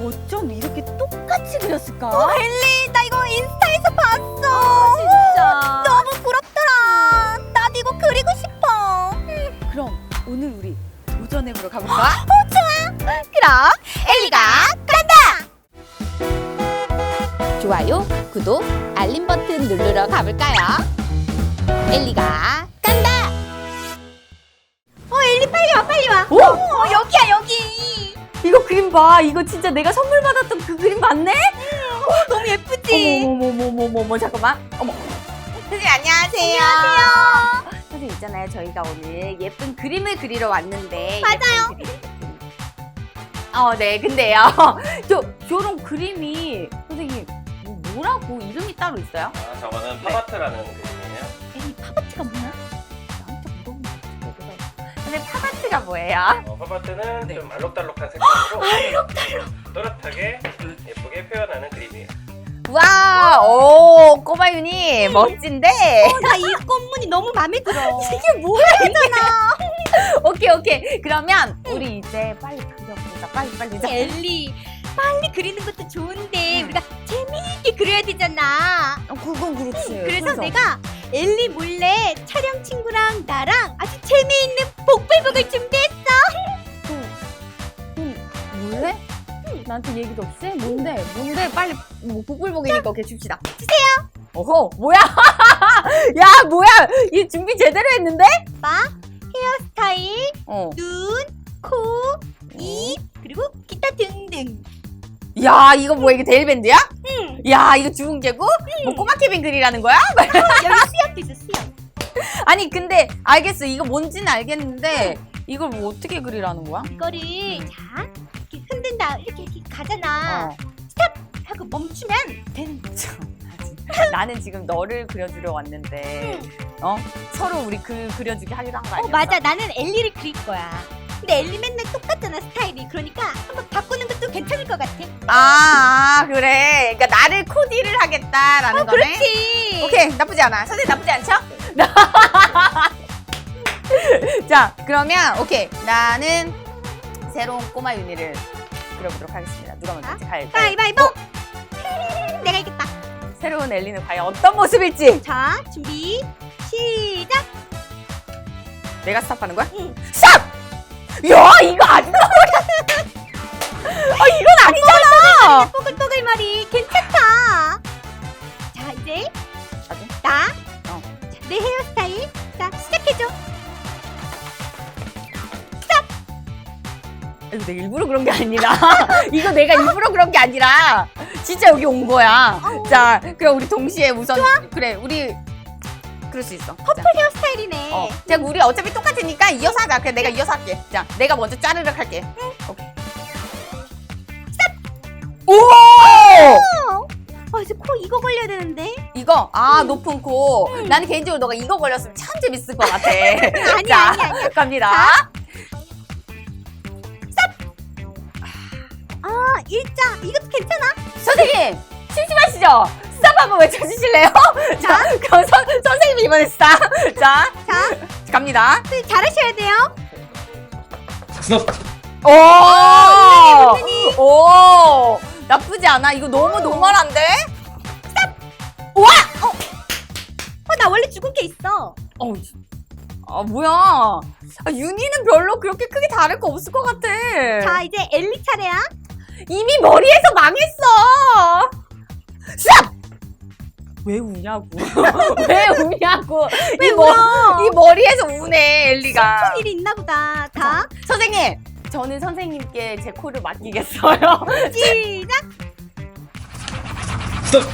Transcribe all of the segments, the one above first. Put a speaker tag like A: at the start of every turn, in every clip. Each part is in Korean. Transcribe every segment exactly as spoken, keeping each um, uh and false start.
A: 어쩜 이렇게 똑같이 그렸을까?
B: 어, 엘리, 나 이거 인스타에서 봤어.
A: 아, 진짜.
B: 너무 부럽더라. 나도 이거 그리고 싶어. 음.
A: 그럼 오늘 우리 도전해보러 가볼까?
B: 어, 좋아. 그럼 엘리가 간다.
C: 좋아요, 구독, 알림 버튼 누르러 가볼까요? 엘리가 간다!
B: 어, 엘리 빨리 와, 빨리 와.
A: 오!
B: 어, 여기야, 여기.
A: 이거 그림 봐. 이거 진짜 내가 선물 받았던 그 그림 맞네?
B: 어, 너무 예쁘지?
A: 어머머머머머머 잠깐만. 어머. 선생님 안녕하세요.
B: 안녕하세요.
A: 선생님 있잖아요. 저희가 오늘 예쁜 그림을 그리러 왔는데.
B: 맞아요.
A: 예쁜 그림. 어, 네. 근데요. 저 저런 그림이 선생님 뭐, 뭐라고 이름이 따로 있어요?
D: 아, 저거는 파바트라는 그림이에요.
A: 에이, 파바트가 뭐야? 나한테 물어보면 어떡해. 선생님 파바트가 뭐예요?
D: 어, 파바트는
A: 네.
D: 좀 알록달록한 색감으로 알록달록 또렷하게 예쁘게 표현하는 그림이에요.
A: 와, 오, 꼬마윤이 멋진데?
B: 어, 나 이 꽃무늬 너무 마음에 들어.
A: 이게 뭐야, 괜찮아. 오케이, 오케이. 그러면 우리 이제 빨리 그려보자. 빨리, 빨리. 자.
B: 엘리, 빨리 그리는 것도 좋은데
A: 음.
B: 우리가 재미있게 그려야 되잖아.
A: 어, 그건 그렇지.
B: 그래서 내가 엘리 몰래 촬영 친구랑 나랑 아주 재미있는 복불복을 준비했어.
A: 몰래? 나한테 얘기도 없이? 뭔데? 뭔데? 빨리 뭐 복불복이니까 오케이 줍시다.
B: 주세요.
A: 어허, 뭐야? 야, 뭐야? 이 준비 제대로 했는데?
B: 봐, 헤어스타일,
A: 어.
B: 눈, 코, 입, 그리고 기타 등등.
A: 야, 이거 뭐야? 이게 데일밴드야?
B: 응.
A: 야, 이거 주운 개구? 뭐 꼬마 케빈 그리라는 거야?
B: 여기 수염도 있어, 수염.
A: 아니, 근데 알겠어. 이거 뭔지는 알겠는데 이걸 뭐 어떻게 그리라는 거야?
B: 이거를
A: 음.
B: 자 이렇게 흔든다, 이렇게, 이렇게 가잖아.
A: 어.
B: 하고 멈추면 되는 거지.
A: 나는 지금 너를 그려주려 왔는데 어? 서로 우리 그 그려주기 하기로 한 거 아니야?
B: 어, 맞아. 나는 엘리를 그릴 거야. 근데 엘리 맨날 똑같잖아, 스타일이. 그러니까 한번 바꾸는 것도 괜찮을 것 같아.
A: 아, 아 그래. 그러니까 나를 코디를 하겠다라는
B: 어,
A: 거네.
B: 그렇지.
A: 오케이, 나쁘지 않아. 선생님 나쁘지 않죠? 자, 그러면 오케이. 나는 새로운 꼬마 윤희를 그려보도록 하겠습니다. 누가 먼저 할지 가요.
B: 가위바위보. 내가 이겼다.
A: 새로운 엘리는 과연 어떤 모습일지.
B: 자, 준비, 시작.
A: 내가 스탑하는 거야?
B: 응.
A: 스탑! 야, 이거 아니야. 아, 이건 아니잖아.
B: 뽀글뽀글 머리 괜찮다. 자, 이제
A: 나도?
B: 나.
A: 어.
B: 자, 내 헤어스타일. 자, 시작해줘.
A: 이거 내가 일부러 그런 게 아니라 이거 내가 일부러 그런 게 아니라 진짜 여기 온 거야.
B: 어.
A: 자, 그럼 우리 동시에 우선 그래, 우리 그럴 수 있어.
B: 퍼플 헤어스타일이네.
A: 어, 자, 우리 어차피 똑같으니까 이어서 하자. 그래, 내가 이어서 할게. 자, 내가 먼저 짜르륵 할게. 응. 오케이. 오!
B: 아, 이제 코 이거 걸려야 되는데.
A: 이거 아 높은 코. 나는 개인적으로 너가 이거 걸렸으면 참 재밌을 것 같아.
B: 아니야,
A: 자,
B: 아니야, 아니야.
A: 갑니다.
B: 아, 일자. 이것도 괜찮아.
A: 선생님 심심하시죠? 스탑 한번 외쳐주실래요? 자, 그럼 선, 선생님이 이번에 스탑. 자,
B: 자,
A: 갑니다.
B: 선생님 잘하셔야 돼요.
D: 스톱!
A: 오! 오! 나쁘지 않아. 이거 너무 노멀한데?
B: 어, 나 원래 죽은 게 있어.
A: 어우, 아, 뭐야. 아, 윤희는 별로 그렇게 크게 다를 거 없을 것 같아.
B: 자, 이제 엘리 차례야.
A: 이미 머리에서 망했어. 스탑! 왜 우냐고. 왜 우냐고.
B: 왜
A: 이, 머,
B: 울어?
A: 이 머리에서 우네, 엘리가.
B: 무슨 일이 있나 보다. 자,
A: 선생님, 저는 선생님께 제 코를 맡기겠어요.
B: 시작.
D: 스톱!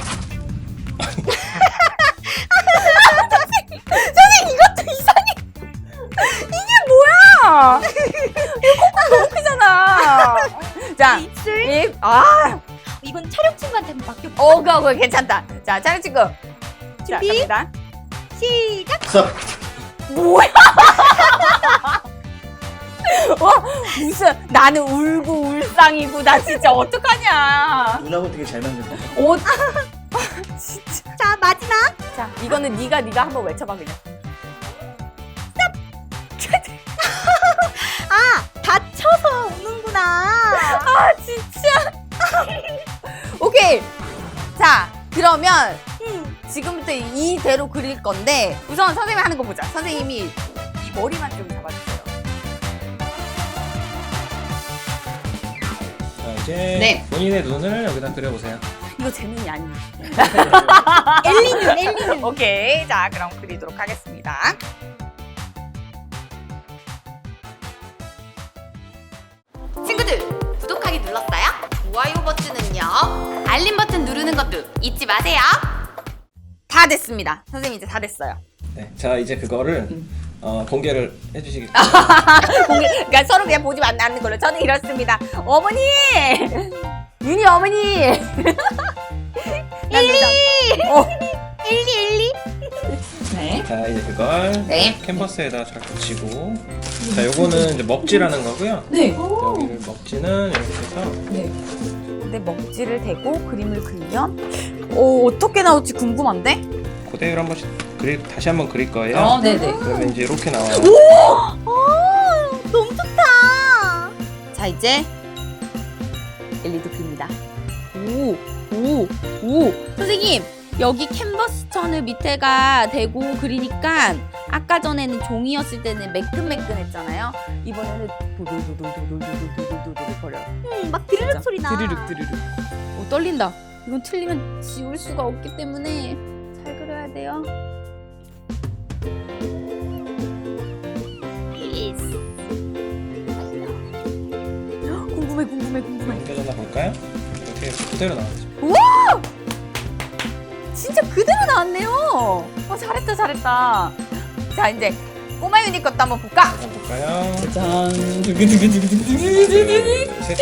A: 선생님, 이것도 이상해. 이게 뭐야? 이거 코가 너무 크잖아. 자,
B: 입술.
A: 입, 아.
B: 이건 촬영 친구한테 한번 맡겨볼까?
A: 어, 그거, 그거 괜찮다. 자, 촬영 친구.
B: 준비.
A: 자, 갑니다.
B: 시작.
D: 스톱!
A: 뭐야? 어? 무슨, 나는 울고 울상이고, 나 진짜 어떡하냐.
D: 눈하고 되게 잘 맞는다.
A: 어, 진짜.
B: 자, 마지막.
A: 자, 이거는 네가 네가 한번 외쳐봐, 그냥.
B: 아, 다쳐서 우는구나.
A: 아, 진짜. 오케이. 자, 그러면
B: 응.
A: 지금부터 이대로 그릴 건데 우선 선생님이 하는 거 보자. 선생님이 이 머리만 좀 잡아주세요.
D: 자, 이제
A: 네.
D: 본인의 눈을 여기다 그려보세요.
A: 이거 제 눈이 아니에요.
B: 엘리 눈, 엘리 눈.
A: 오케이. 자, 그럼 그리도록 하겠습니다. 친구들, 구독하기 눌렀어요? 좋아요 버튼은요? 알림 버튼 누르는 것도 잊지 마세요. 다 됐습니다. 선생님 이제 다 됐어요.
D: 네, 자 이제 그거를 어, 공개를 해주시겠어요?
A: 공개, 그러니까 서로 그냥 보지 않는 걸로. 저는 이렇습니다. 어머니! 윤희 어머니!
B: 엘리!
A: 어.
B: 엘리, 엘리.
A: 네.
D: 자 이제 그걸
A: 네.
D: 캔버스에다 잘 붙이고, 자 요거는 이제 먹지라는 거고요.
A: 네.
D: 여기를 먹지는 이렇게 해서
A: 근데 먹지를 대고 그림을 그리면 오, 어떻게 나올지 궁금한데?
D: 그대로 한 번씩 그리, 다시 한번 그릴 거예요.
A: 어, 네네.
D: 그러면 이제 이렇게 나와요.
B: 오, 너무 좋다.
A: 자, 이제 엘리도 그립니다. 오, 오, 오. 선생님, 여기 캔버스 천을 밑에가 대고 그리니까 아까 전에는 종이였을 때는 매끈매끈했잖아요. 이번에는 도돌도돌도돌도돌도돌 거려요.
B: 응, 막 드르륵
A: 진짜.
B: 소리 나.
A: 드르륵 드르륵. 오, 떨린다. 이건 틀리면 지울 수가 없기 때문에 잘 그려야 돼요.
B: 예스.
A: 궁금해, 궁금해, 궁금해.
D: 옮겨졌나 볼까요? 이렇게 그대로 나오죠.
A: 진짜 그대로 나왔네요. 어, 잘했다, 잘했다. 자, 이제 꼬마 유니 것도 한번 볼까?
D: 한번 볼까요?
A: 짠.
D: 셋.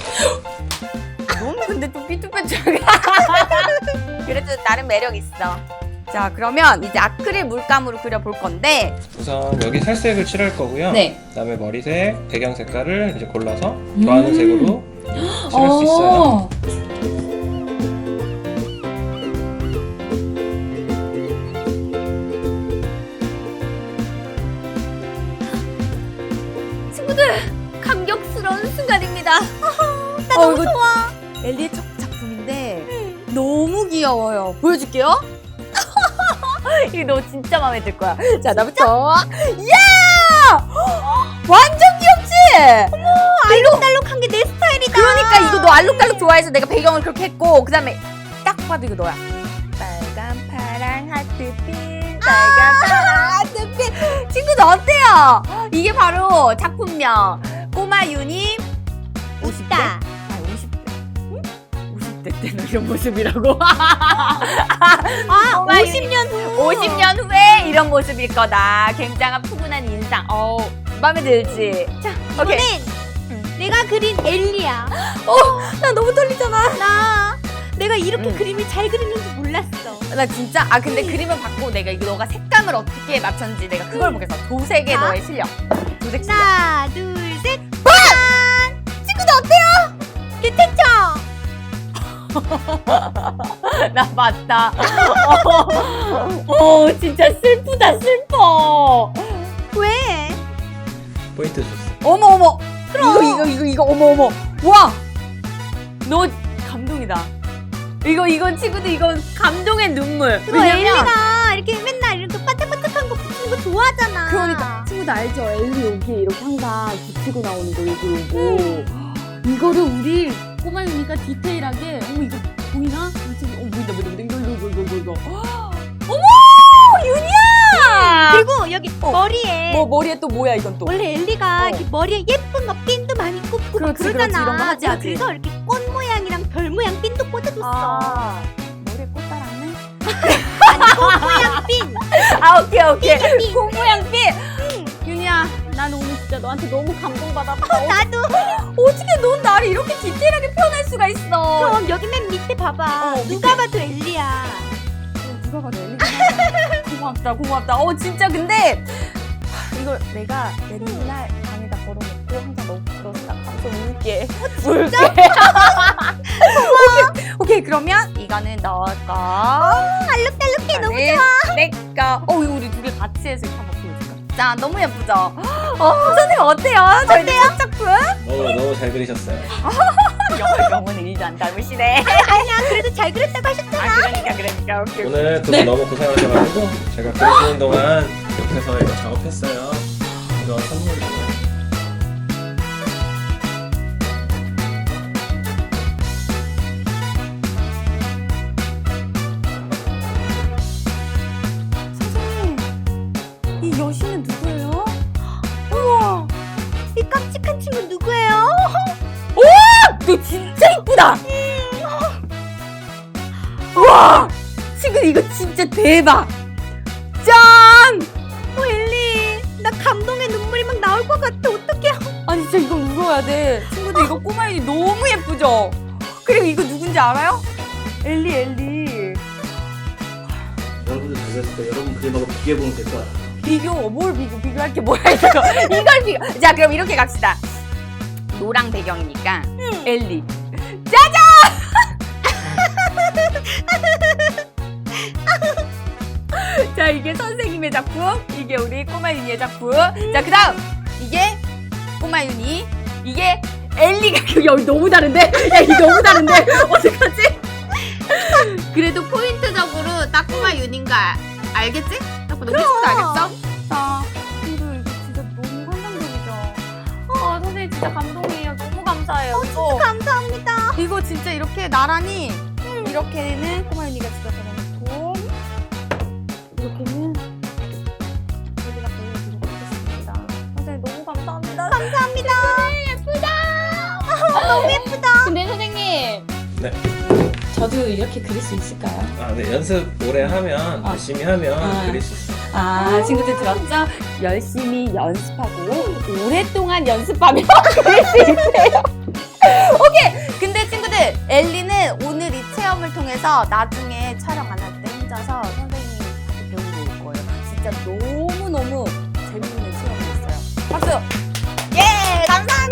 A: 너무 근데 좀 삐뚤빼뚤하게. 그래도 나름 매력 있어. 자, 그러면 이제 아크릴 물감으로 그려볼 건데.
D: 우선 여기 살색을 칠할 거고요.
A: 네.
D: 그다음에 머리색, 배경 색깔을 이제 골라서 좋아하는
A: 음.
D: 색으로 칠할 수 있어요.
A: 친구들, 감격스러운 순간입니다. 나 너무 좋아. 엘리의 첫 작품인데 너무 귀여워요. 보여줄게요. 이거 너 진짜 마음에 들 거야. 자, 나부터. 이야! 완전 귀엽지?
B: 알록달록한 게 내 스타일이다.
A: 그러니까 이거 너 알록달록 좋아해서 내가 배경을 그렇게 했고, 그 다음에 딱 봐도 이거 너야. 빨간 파랑 하트빛, 빨간 파랑 하트빛. 친구들 어때요? 이게 바로 작품명 꼬마 유니 오십 대?
B: 있다.
A: 아, 오십 대. 응? 오십 대 때는 이런 모습이라고.
B: 아,
A: 꼬마
B: 오십 년 후.
A: 오십 년 후에 이런 모습일 거다. 굉장한 푸근한 인상. 어, 마음에 들지? 자, 오케이.
B: 이번엔 내가 그린 엘리야.
A: 나 너무 떨리잖아.
B: 나 내가 이렇게
A: 음.
B: 그림을 잘 그리는 줄 몰랐어.
A: 나 진짜 아 근데 그림을 받고 내가 이거 너가 색감을 어떻게 맞췄는지 내가 그걸 보겠어. 도색의
B: 자.
A: 너의 실력. 도색 실력.
B: 하나, 둘, 셋. 짠! 친구들 어때요? 괜찮죠?
A: 나 맞다. 어, 어, 진짜 슬프다 슬퍼.
B: 왜?
D: 포인트 줬어.
A: 어머 어머. 그럼 이거 이거 이거 이거 어머 어머. 와. 너 감동이다. 이거 이건 친구들 이건 감동의 눈물.
B: 그거 엘리가 이렇게 맨날 이렇게 반짝반짝한 거 붙이는 거 좋아하잖아.
A: 그러니까 친구들 알죠? 엘리 여기에 이렇게 항상 붙이고 나오는 거 요거 요거. 이거를 우리 꼬마 유니가 디테일하게 어머 이거 보이나? 지금 어 보인다 보인다 보인다 이거 이거 이거 이거 이거. 어머 유니야!
B: 그리고 여기
A: 어.
B: 머리에
A: 뭐 머리에 또 뭐야 이건 또?
B: 원래 엘리가
A: 어.
B: 이렇게 머리에 예쁜 거 핀도 많이 꽂고 막
A: 그렇지, 그렇지.
B: 그러잖아.
A: 이런 거 하지,
B: 내가
A: 하지.
B: 그래서 이렇게 꽃 모양이랑 별 모양 핀도 꽂아줬어.
A: 아 머리에 꽃 달았네.
B: 아니 꽃 모양 핀.
A: 아 오케이 오케이.
B: 핀.
A: 콩 모양 핀. 윤희야, 나는 오늘 진짜 너한테 너무 감동받았다.
B: 나도.
A: 어떻게 넌 나를 이렇게 디테일하게 표현할 수가 있어?
B: 그럼 여기 맨 밑에 봐봐.
A: 어,
B: 누가 봐도 엘리야.
A: 어, 누가 봐도 엘리가 고맙다 고맙다. 어 진짜 근데 하, 이걸 내가 맨날 방에다 걸어놓고 항상 너무 부러워서 가서 울게. 울게. 오케이, 오케이 그러면 이거는 너 거.
B: 알록달록해 너무 좋아.
A: 내 거. 어 이거 우리 두 개 같이 해서 이렇게 한번 보여줄까? 자 너무 예쁘죠? 어 선생님 어때요? 저희 첫 작품?
D: 너무 너무 잘 그리셨어요.
A: 영- 영혼을 일도 안 닮으시네.
B: 아니야, 그래도 잘 그렸다고 하셨잖아.
A: 아, 그러니까, 그러니까. 오케이, 오케이.
D: 오늘 두 분 너무 고생하셔가지고 제가 그리시는 동안 옆에서 이거 작업했어요. 이거 선물이에요.
A: 선생님, 이 여신은 누구예요? 우와,
B: 이 깜찍한 친구 누구예요?
A: 너 진짜 이쁘다. 우와, 친구 이거 진짜 대박. 짠!
B: 어, 엘리, 나 감동의 눈물이 막 나올 것 같아. 어떡해.
A: 아니 진짜 이거 울어야 돼. 친구들 이거 꼬마윤이 너무 예쁘죠? 그리고 이거 누군지 알아요? 엘리 엘리.
E: 여러분들 잘했을 때 여러분 그림하고 비교해보면 될 것 같아요.
A: 비교, 뭘 비교, 비교할 게 뭐야 이거. 이걸 비교. 자 그럼 이렇게 갑시다. 노랑 배경이니까 엘리. 짜잔! 자 이게 선생님의 작품, 이게 우리 꼬마윤이의 작품. 자 그다음 이게 꼬마윤이, 이게 엘리가. 여기 너무 다른데? 야 이거 너무 다른데? 어떡하지? 그래도 포인트적으로 딱 꼬마윤인가 알겠지? 딱 보면 친구도 알겠어? 자 친구 이거 진짜 너무 환상적이죠? 아 선생님 진짜 감동이에요. 너무 감사해요. 이거
B: 감사합니다.
A: 이거 진짜 이렇게 나란히 이렇게는 꼬마윤이가 집에 보내놓고 이렇게는 여기다 보여드리도록 하겠습니다. 선생님 너무 감사합니다.
B: 감사합니다.
C: 너무 예쁘다. 근데 선생님.
D: 네.
C: 저도 이렇게 그릴 수 있을까요?
D: 아, 네. 연습 오래 하면
C: 아.
D: 열심히 하면
C: 아.
D: 그릴 수 있어요.
A: 아 친구들 들었죠? 열심히 연습하고 오랫동안 연습하면 그릴 수 있대요. 오케이. 근데 친구들 엘리는 오늘 이 체험을 통해서 나중에 촬영 안 할 때 혼자서 선생님한테 배우고 올 거예요. 진짜 너무너무 재밌는 체험이었어요. 박수! 예! 감사합니다!